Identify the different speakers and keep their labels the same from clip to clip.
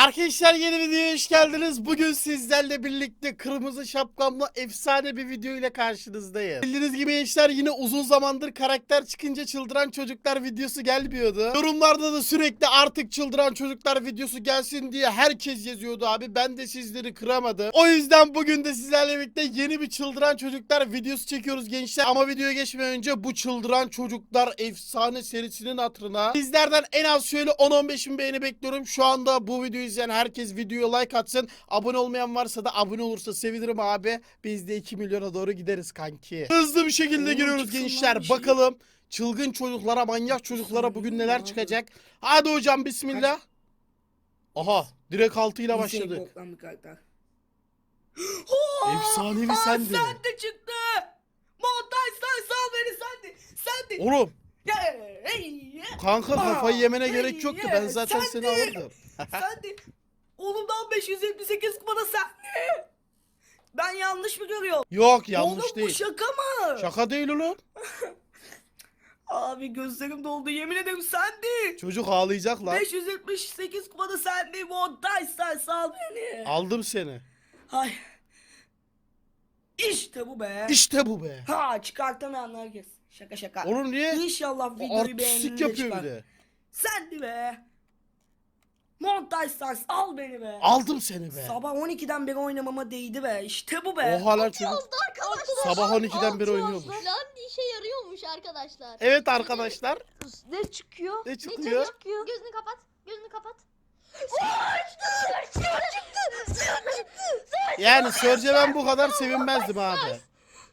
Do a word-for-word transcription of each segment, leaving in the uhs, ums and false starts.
Speaker 1: Arkadaşlar yeni videoya hoş geldiniz. Bugün sizlerle birlikte kırmızı şapkamla efsane bir video ile karşınızdayım. Bildiğiniz gibi gençler yine uzun zamandır karakter çıkınca çıldıran çocuklar videosu gelmiyordu. Yorumlarda da sürekli artık çıldıran çocuklar videosu gelsin diye herkes yazıyordu abi. Ben de sizleri kıramadım. O yüzden bugün de sizlerle birlikte yeni bir çıldıran çocuklar videosu çekiyoruz gençler. Ama videoya geçmeden önce bu çıldıran çocuklar efsane serisinin hatırına sizlerden en az şöyle on on beş bin beğeni bekliyorum. Şu anda bu videoyu izleyen herkes videoya like atsın. Abone olmayan varsa da abone olursa sevinirim abi. Biz de iki milyona doğru gideriz kanki. Hızlı bir şekilde
Speaker 2: Oo,
Speaker 1: giriyoruz
Speaker 2: çıksın lan
Speaker 1: gençler.
Speaker 2: bir şey.
Speaker 1: Bakalım çılgın çocuklara, manyak çocuklara bugün neler çıkacak. Hadi hocam bismillah. Aha direkt altıyla başladık.
Speaker 2: Boktan bir karakter.
Speaker 1: Efsanevi
Speaker 2: Aa,
Speaker 1: sendi.
Speaker 2: Sen de çıktı. Montaj sen sal beni sen de. Sen de.
Speaker 1: Oğlum
Speaker 2: Ya, hey,
Speaker 1: kanka kafayı yemene
Speaker 2: Aa,
Speaker 1: gerek yoktu. Ben
Speaker 2: hey,
Speaker 1: zaten
Speaker 2: sen
Speaker 1: seni
Speaker 2: de.
Speaker 1: alırdım.
Speaker 2: Sen de. Oğlumdan beş yüz yetmiş sekiz kupada sen de. Ben yanlış mı görüyorum?
Speaker 1: Yok yanlış
Speaker 2: Oğlum bu
Speaker 1: değil.
Speaker 2: şaka mı?
Speaker 1: Şaka değil oğlum.
Speaker 2: Abi gözlerim doldu yemin ederim sen de.
Speaker 1: Çocuk ağlayacak lan.
Speaker 2: beş yüz yetmiş sekiz kupada sen de. Montaj sen sal beni.
Speaker 1: Aldım seni.
Speaker 2: Ay. İşte bu be.
Speaker 1: İşte bu be.
Speaker 2: Ha çıkartamayanlar herkes. Şaka şaka.
Speaker 1: Oğlum niye?
Speaker 2: İnşallah videoyu beğendiğinde
Speaker 1: Artistik yapıyor
Speaker 2: çıkar.
Speaker 1: bir de.
Speaker 2: Sen de be. Montaj stars al beni be.
Speaker 1: Aldım seni be.
Speaker 2: Sabah on ikiden beri oynamama değdi be. İşte bu be.
Speaker 1: Oha lan çocuk.
Speaker 3: Arkadaşlar.
Speaker 1: Sabah on ikiden beri
Speaker 3: Altı
Speaker 1: oynuyormuş.
Speaker 3: Lan işe yarıyormuş arkadaşlar.
Speaker 1: Evet arkadaşlar.
Speaker 3: Ne çıkıyor?
Speaker 1: Ne
Speaker 3: Ne
Speaker 1: çıkıyor?
Speaker 3: çıkıyor? Gözünü kapat. Gözünü kapat.
Speaker 1: Yani Sörce ben bu kadar sevinmezdim abi.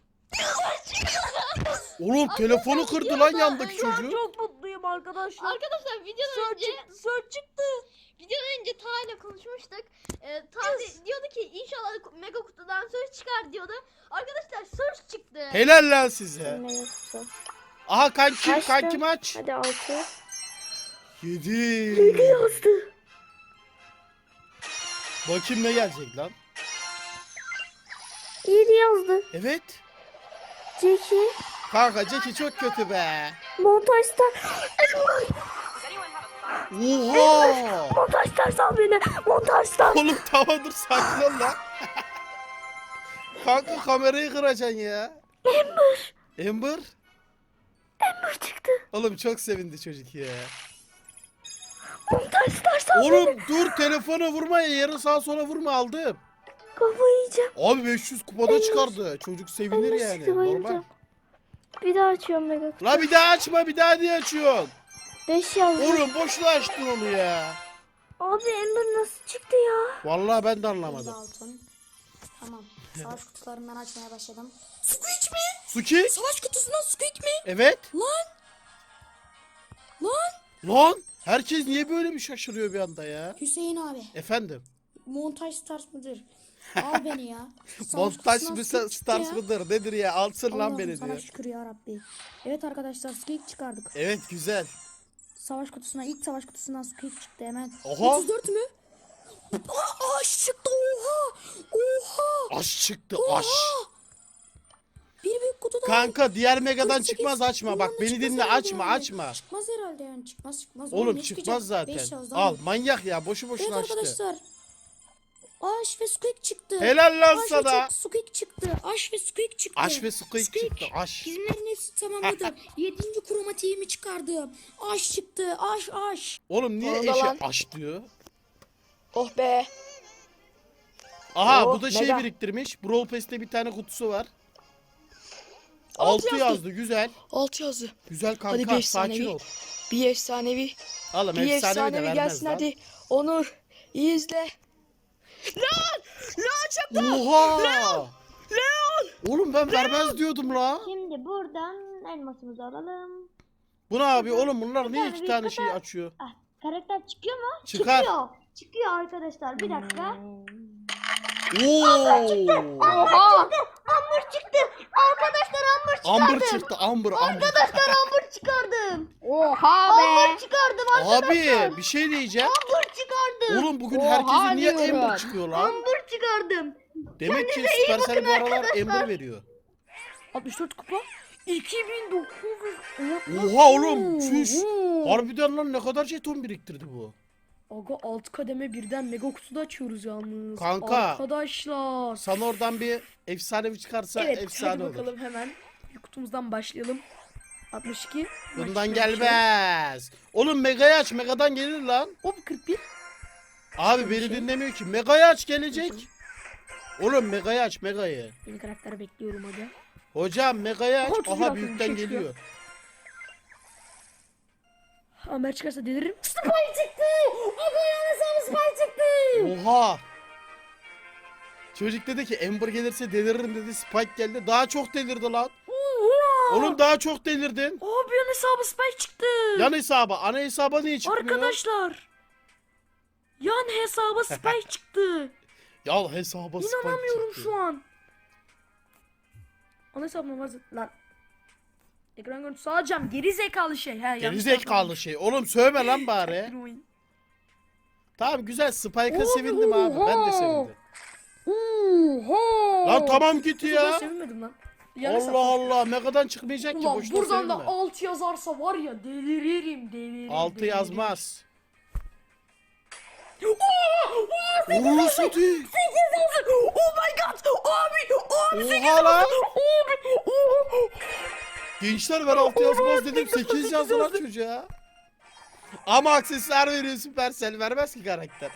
Speaker 1: Oğlum telefonu kırdı lan yandaki
Speaker 3: Şu an
Speaker 1: çocuğu.
Speaker 3: çok mutluyum arkadaşlar. Arkadaşlar videodan önce Sör çıktı. Videodan önce Ta ile konuşmuştuk. Ee, Ta de- diyordu ki inşallah mega kutudan söz çıkar diyordu. Arkadaşlar söz çıktı.
Speaker 1: Helal lan size.
Speaker 4: Mega kutu.
Speaker 1: Aha kankim
Speaker 4: Kaçtı?
Speaker 1: kankim aç.
Speaker 4: Hadi altı.
Speaker 1: Yedi.
Speaker 4: Yazdı.
Speaker 1: Bakayım ne gelecek lan.
Speaker 4: yedi yazdı.
Speaker 1: Evet.
Speaker 4: Jackie.
Speaker 1: Kanka Jackie çok kötü be.
Speaker 4: Montajda.
Speaker 1: Oha.
Speaker 4: Montajda sal beni. Montajda.
Speaker 1: Oğlum tamam dur sakin ol lan. Kanka kamerayı kıracaksın ya.
Speaker 4: Ember.
Speaker 1: Ember.
Speaker 4: Ember çıktı.
Speaker 1: Oğlum çok sevindi çocuk ya.
Speaker 4: Montajda sal beni.
Speaker 1: Oğlum dur telefona vurma ya. Yarın sağa sola vurma aldım.
Speaker 4: Kafayı yiyeceğim.
Speaker 1: Abi beş yüz kupada çıkardı. Çocuk sevinir
Speaker 4: Ember
Speaker 1: yani.
Speaker 4: çıktı,
Speaker 1: Normal.
Speaker 4: bayılacağım. Bir daha açıyorum mega kutu.
Speaker 1: La bir daha açma bir daha niye açıyorsun?
Speaker 4: beş yazdı.
Speaker 1: Oğlum boşuna açtın onu ya.
Speaker 4: Abi Ember nasıl çıktı ya?
Speaker 1: Vallahi ben de anlamadım.
Speaker 5: Altın. Tamam. Savaş kutularından açmaya başladım.
Speaker 2: Squeak mi?
Speaker 1: Suki?
Speaker 2: Savaş kutusundan Squeak mi?
Speaker 1: Evet.
Speaker 2: Lan. Lan.
Speaker 1: Lan herkes niye böyle bir şaşırıyor bir anda ya?
Speaker 5: Hüseyin abi.
Speaker 1: Efendim.
Speaker 5: Montaj stars mıdır? Al beni ya. Savaş
Speaker 1: Montaj
Speaker 5: kutusundan
Speaker 1: mı
Speaker 5: Squeak çıktı
Speaker 1: stars
Speaker 5: ya.
Speaker 1: mıdır nedir ya? Alsın lan
Speaker 5: Allah'ım
Speaker 1: beni
Speaker 5: sana
Speaker 1: diyor.
Speaker 5: şükür ya Rabbi. Evet arkadaşlar Squeak çıkardık.
Speaker 1: Evet güzel.
Speaker 5: Savaş kutusuna ilk savaş kutusundan Squeak çıktı hemen.
Speaker 1: Oha.
Speaker 5: otuz dört mü? Aa, aş çıktı oha. Oha.
Speaker 1: Aş çıktı aş.
Speaker 5: Bir büyük kutuda.
Speaker 1: Kanka diğer megadan
Speaker 5: kırk sekiz.
Speaker 1: çıkmaz açma.
Speaker 5: Bundan
Speaker 1: Bak
Speaker 5: da
Speaker 1: beni
Speaker 5: çıkmaz
Speaker 1: dinle
Speaker 5: herhalde
Speaker 1: açma
Speaker 5: yani.
Speaker 1: açma.
Speaker 5: Çıkmaz herhalde yani çıkmaz çıkmaz.
Speaker 1: Oğlum
Speaker 5: ne
Speaker 1: çıkmaz
Speaker 5: çıkacak?
Speaker 1: zaten.
Speaker 5: Beş yazdı
Speaker 1: Al
Speaker 5: abi.
Speaker 1: manyak ya boşu
Speaker 5: Evet
Speaker 1: boşuna açtı.
Speaker 5: arkadaşlar. Aş ve Squeak çıktı.
Speaker 1: Helal lan
Speaker 5: Aş ve
Speaker 1: sana.
Speaker 5: çok Squeak çıktı. Aş ve Squeak çıktı.
Speaker 1: Aş ve squeak çıktı aş.
Speaker 5: Bizimlerin hepsi tamamladım. Yedinci kromatiğimi çıkardım. Aş çıktı. Aş aş.
Speaker 1: Oğlum niye
Speaker 2: Orada
Speaker 1: eşe
Speaker 2: lan.
Speaker 1: aş diyor?
Speaker 2: Oh be.
Speaker 1: Aha
Speaker 2: Oh,
Speaker 1: bu da şey
Speaker 2: mega.
Speaker 1: biriktirmiş. Brawl Pass'te bir tane kutusu var.
Speaker 2: Altı
Speaker 1: altı
Speaker 2: yazdı.
Speaker 1: yazdı güzel.
Speaker 2: Altı yazdı.
Speaker 1: Güzel
Speaker 2: Hadi
Speaker 1: kanka
Speaker 2: bir
Speaker 1: sakin
Speaker 2: efsanevi.
Speaker 1: ol.
Speaker 2: Bir efsanevi.
Speaker 1: Oğlum
Speaker 2: Bir
Speaker 1: efsanevi de
Speaker 2: efsanevi
Speaker 1: vermez
Speaker 2: gelsin
Speaker 1: lan.
Speaker 2: hadi. Onur. iyi izle. Lan! Lan çıktı!
Speaker 1: Oha! Leon! Oğlum ben vermez diyordum la.
Speaker 4: Şimdi buradan elmasımızı alalım.
Speaker 1: Bu ne abi oğlum bunlar niye
Speaker 4: tane
Speaker 1: iki
Speaker 4: bir
Speaker 1: tane
Speaker 4: kutu.
Speaker 1: şey açıyor?
Speaker 4: Ah, karakter çıkıyor mu?
Speaker 1: Çıkar.
Speaker 4: Çıkıyor. Çıkıyor arkadaşlar. Bir dakika.
Speaker 1: Oo!
Speaker 4: Oha! Amber çıktı. Arkadaşlar Amber çıkardım.
Speaker 1: Amber çıktı Amber Amber.
Speaker 4: Arkadaşlar Amber çıkardım.
Speaker 3: Oha
Speaker 4: Amber çıkardım arkadaşlar.
Speaker 1: Abi bir şey diyeceğim.
Speaker 4: Amber çıkardım.
Speaker 1: Oğlum bugün
Speaker 3: Oha
Speaker 1: herkese niye
Speaker 3: diyorum.
Speaker 1: Amber çıkıyor lan?
Speaker 4: Amber çıkardım.
Speaker 1: Demek ki
Speaker 4: Kendinize iyi
Speaker 1: Supercell
Speaker 4: bakın
Speaker 1: bu aralar
Speaker 4: arkadaşlar.
Speaker 1: Amber veriyor.
Speaker 5: altmış dört kupa. iki bin dokuz yüz.
Speaker 1: Oha oğlum çüş. Harbiden lan ne kadar jeton biriktirdi bu.
Speaker 5: Aga alt kademe birden mega kutuda açıyoruz yalnız.
Speaker 1: Kanka.
Speaker 5: Arkadaşlar.
Speaker 1: Sana oradan bir efsanevi çıkarsa
Speaker 5: Evet
Speaker 1: efsane
Speaker 5: hadi
Speaker 1: olur.
Speaker 5: bakalım hemen. Bir kutumuzdan başlayalım. altmış iki.
Speaker 1: Bundan
Speaker 5: Başka bir
Speaker 1: gelmez. Oğlum Mega'yı aç. Mega'dan gelir lan.
Speaker 5: şey. Hop kırk bir.
Speaker 1: Abi beni dinlemiyor ki. Mega'yı aç gelecek. Oğlum Mega'yı aç Mega'yı.
Speaker 5: Yeni karakter bekliyorum aga.
Speaker 1: Hocam Mega'yı aç.
Speaker 5: Otuz
Speaker 1: Aha
Speaker 5: lira
Speaker 1: büyükten
Speaker 5: atıyor, bir şey
Speaker 1: geliyor.
Speaker 5: Amer çıkarsa deliririm. Spy çıktı. Aga yanlış Spy çıktı.
Speaker 1: Oha. Çocuk dedi ki Ember gelirse deliririm dedi. Spike geldi. Daha çok delirdi lan.
Speaker 5: Oha.
Speaker 1: Oğlum daha çok delirdin.
Speaker 5: Abi yan hesabı Spy çıktı.
Speaker 1: Yan hesaba. Ana hesaba niye çıkmıyor?
Speaker 5: Arkadaşlar. Yan hesaba Spy çıktı.
Speaker 1: Ya hesaba Spike
Speaker 5: İnanamıyorum
Speaker 1: çıktı.
Speaker 5: şu an. Ana hesabına var lan. Ekran görüntüsü alacağım. Geri zekalı şey. He, yanlış
Speaker 1: Gerizekalı şey. Oğlum sövme lan bari.
Speaker 5: yapmadım.
Speaker 1: Tamam güzel. Spike'a
Speaker 5: Oha.
Speaker 1: sevindim abi. Ben de sevindim.
Speaker 5: Oha.
Speaker 1: Lan tamam git
Speaker 5: Ben
Speaker 1: ya.
Speaker 5: sevinmedim lan. Yan hesap.
Speaker 1: Allah Allah. Mega'dan çıkmayacak ki.
Speaker 5: Ulan
Speaker 1: Boşuna
Speaker 5: buradan da
Speaker 1: sevinme.
Speaker 5: alt yazarsa var ya deliririm deliririm.
Speaker 1: Altı
Speaker 5: deliririm.
Speaker 1: yazmaz.
Speaker 5: Oha!
Speaker 1: Uğurlu satayım.
Speaker 5: Oh my god! Abi! Abi!
Speaker 1: Oha lan.
Speaker 5: Abi! Oha!
Speaker 1: Gençler ben altı yazmaz dedim. sekiz yazdı lan çocuğa. Ama aksesuar veriyor Supercell. Vermez ki karakter.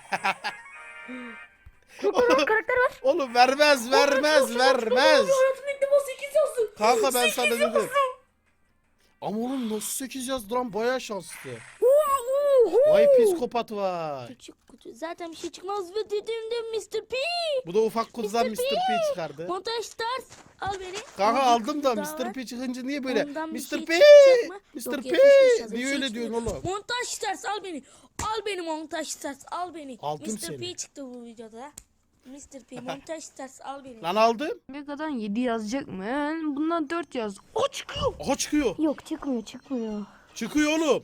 Speaker 5: Karakter var.
Speaker 1: Oğlum vermez vermez vermez.
Speaker 5: Hayatımda ilk defa sekiz yazdı.
Speaker 1: Kanka ben sana
Speaker 5: sekiz
Speaker 1: dedim.
Speaker 5: yazdı.
Speaker 1: Ama oğlum nasıl sekiz yazdı lan baya şanslı.
Speaker 5: Oha!
Speaker 1: Vay psikopat var.
Speaker 6: Küçük kutu. Zaten bir şey çıkmaz ve dediğimde mister P.
Speaker 1: Bu da ufak kutudan
Speaker 6: mister
Speaker 1: mister P çıkardı.
Speaker 6: Montaj Stars. Al beni.
Speaker 1: Kanka
Speaker 6: Ondan
Speaker 1: aldım da
Speaker 6: daha
Speaker 1: mister
Speaker 6: var.
Speaker 1: P çıkınca niye böyle?
Speaker 6: Ondan bir
Speaker 1: mister
Speaker 6: şey
Speaker 1: P!
Speaker 6: çıkacak mı?
Speaker 1: mister
Speaker 6: Yok,
Speaker 1: P!
Speaker 6: yetmiş beş yazıyor.
Speaker 1: Niye
Speaker 6: Bir
Speaker 1: öyle
Speaker 6: şey
Speaker 1: diyorsun
Speaker 6: çıkmıyor.
Speaker 1: oğlum?
Speaker 6: Montaj Stars al beni. Al beni Montaj Stars al beni.
Speaker 1: Aldım
Speaker 6: mister
Speaker 1: seni.
Speaker 6: P çıktı bu videoda. mister P Montaj Stars al beni.
Speaker 1: Lan aldım.
Speaker 7: Mega'dan yedi yazacak mı? Yani bundan dört yaz. O çıkıyor.
Speaker 1: Aha çıkıyor.
Speaker 4: Yok çıkmıyor çıkmıyor.
Speaker 1: Çıkıyor oğlum.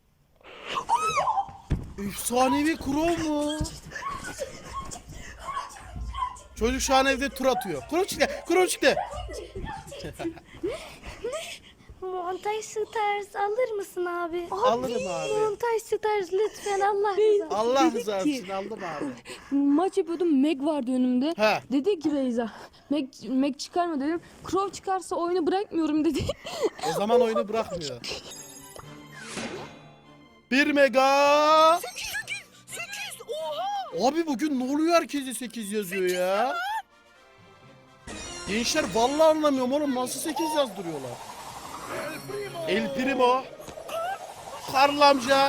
Speaker 1: Efsanevi Crow mu? Çocuk şu an evde tur atıyor. Crow çıktı. Crow çıktı.
Speaker 4: Montaj Stars alır mısın abi?
Speaker 1: Alırım abi.
Speaker 4: Montaj Stars lütfen Allah rızası.
Speaker 1: Allah rızası için aldım abi.
Speaker 7: Maç yapıyordum. Meg vardı önümde.
Speaker 1: He.
Speaker 7: Dedi ki Beyza. Meg, Meg çıkarma dedim. Crow çıkarsa oyunu bırakmıyorum dedi.
Speaker 1: O zaman oyunu bırakmıyor. Bir mega.
Speaker 2: sekiz. Oha.
Speaker 1: Abi bugün ne oluyor herkese sekiz yazıyor ya? Gençler vallahi anlamıyorum oğlum nasıl sekiz yazdırıyorlar. El Primo. Karl amca.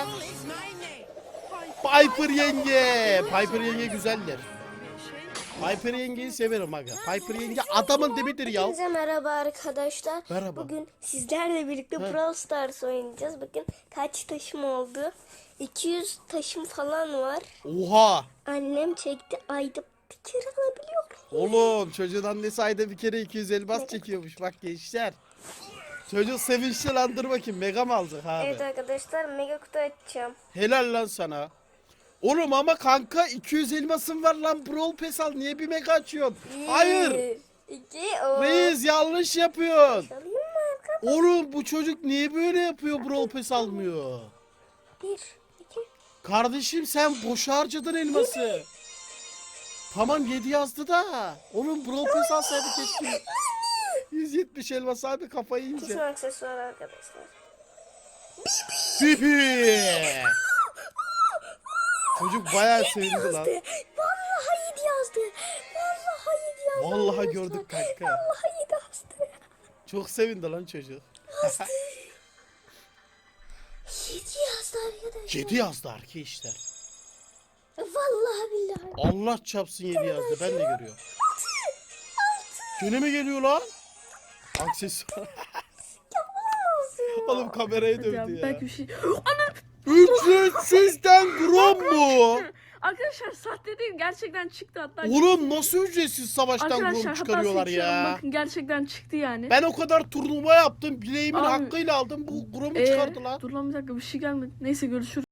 Speaker 1: Piper yenge. Piper yenge güzeldir. Piper yengeyi severim aga. Piper yenge adamın dibidir ya.
Speaker 8: Hepinize merhaba arkadaşlar.
Speaker 1: Merhaba.
Speaker 8: Bugün sizlerle birlikte
Speaker 1: Evet.
Speaker 8: Brawl Stars oynayacağız. Bakın kaç taşım oldu. iki yüz taşım falan var.
Speaker 1: Oha.
Speaker 8: Annem çekti. Ayda bir kere alabiliyorum.
Speaker 1: Oğlum çocuğun annesi ayda bir kere iki yüz elmas çekiyormuş bak gençler. Çocuk sevinçli lan dur bakayım mega mı alacak abi?
Speaker 8: Evet arkadaşlar mega kutu açacağım.
Speaker 1: Helal lan sana. Oğlum ama kanka iki yüz elmasın var lan Brawl Pass al niye bir mega açıyorsun? Hayır.
Speaker 8: Bir, iki, o.
Speaker 1: Reis yanlış yapıyorsun.
Speaker 8: Alayım mı arkadaşlar?
Speaker 1: Oğlum bu çocuk niye böyle yapıyor Brawl Pass almıyor?
Speaker 8: Bir, iki.
Speaker 1: Kardeşim sen boşa harcadın elması. Tamam yedi yazdı da. Oğlum Brawl Pass alsaydı keşke. yüz yetmiş elmas abi kafayı
Speaker 8: Kesin
Speaker 1: yiyecek.
Speaker 8: aksesuar arkadaşlar.
Speaker 1: Pipi. Çocuk bayağı sevindi lan.
Speaker 8: Vallahi yedi yazdı. Vallahi yedi yazdı.
Speaker 1: Vallahi
Speaker 8: arkadaşlar.
Speaker 1: gördük kanka.
Speaker 8: Vallahi yedi yazdı.
Speaker 1: Çok sevindi lan çocuk.
Speaker 8: Yedi yazdı arkadaşlar.
Speaker 1: yedi yazdı arkadaşlar.
Speaker 8: Vallahi billahi.
Speaker 1: Allah çapsın yedi yazdı ben de görüyorum. Gene mi geliyor lan? Aksesuar. Oğlum kameraya dövdü ya.
Speaker 5: Belki bir şey.
Speaker 1: Ücretsizden gram mu?
Speaker 5: Arkadaşlar sahte değil gerçekten çıktı hatta.
Speaker 1: Oğlum nasıl ücretsiz savaştan
Speaker 5: Arkadaşlar
Speaker 1: gram
Speaker 5: hatta
Speaker 1: çıkarıyorlar
Speaker 5: seçiyorum,
Speaker 1: ya?
Speaker 5: bakın gerçekten çıktı yani.
Speaker 1: Ben o kadar turnuva yaptım. Bileğimin
Speaker 5: Abi,
Speaker 1: hakkıyla aldım. Bu gramı
Speaker 5: Ee,
Speaker 1: çıkardı lan.
Speaker 5: Dur lan bir dakika bir şey gelmedi. Neyse görüşürüz.